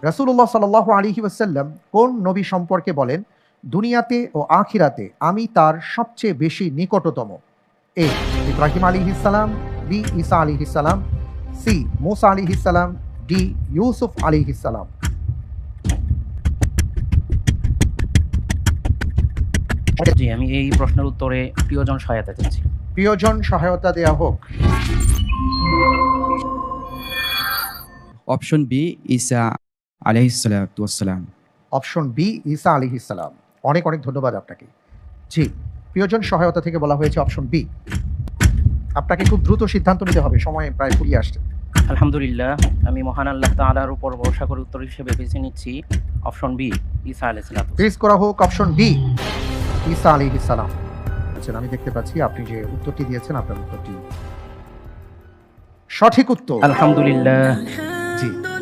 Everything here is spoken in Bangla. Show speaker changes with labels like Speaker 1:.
Speaker 1: রাসূলুল্লাহ সাল্লাল্লাহু আলাইহি ওয়াসাল্লাম কোন নবী সম্পর্কে বলেন, দুনিয়াতে ও আখিরাতে আমি তার সবচেয়ে বেশি নিকটতম? এ ইব্রাহিম আলাইহিস সালাম, বি ঈসা আলাইহিস সালাম, সি মূসা আলাইহিস সালাম, ডি ইউসুফ আলাইহিস সালাম।
Speaker 2: জি, আমি এই প্রশ্নের উত্তরে প্রিয়জন সহায়তা চাচ্ছি।
Speaker 1: প্রিয়জন সহায়তা দেয়া হোক।
Speaker 3: অপশন বি ঈসা আলাইহিস সালাতু ওয়াসসালাম।
Speaker 1: অপশন বি ঈসা আলাইহিস সালাম। অনেক অনেক ধন্যবাদ আপনাকে। জি, প্রিয়জন সহায়তা থেকে বলা হয়েছে অপশন বি। আপনাকে খুব দ্রুত সিদ্ধান্ত নিতে হবে, সময় প্রায় ফুরিয়ে আসছে।
Speaker 2: আলহামদুলিল্লাহ, আমি মহান আল্লাহ তাআলার উপর ভরসা করে উত্তর হিসেবে বেছে নিচ্ছি অপশন বি, ঈসা আলাইহিস সালাতু ওয়াস সালাম।
Speaker 1: প্লিজ করা হোক অপশন বি, ঈসা আলাইহিস সালাম। আচ্ছা, আমি দেখতে পাচ্ছি আপনি যে উত্তরটি দিয়েছেন, আপনার উত্তরটি সঠিক উত্তর।
Speaker 2: আলহামদুলিল্লাহ।
Speaker 1: জি।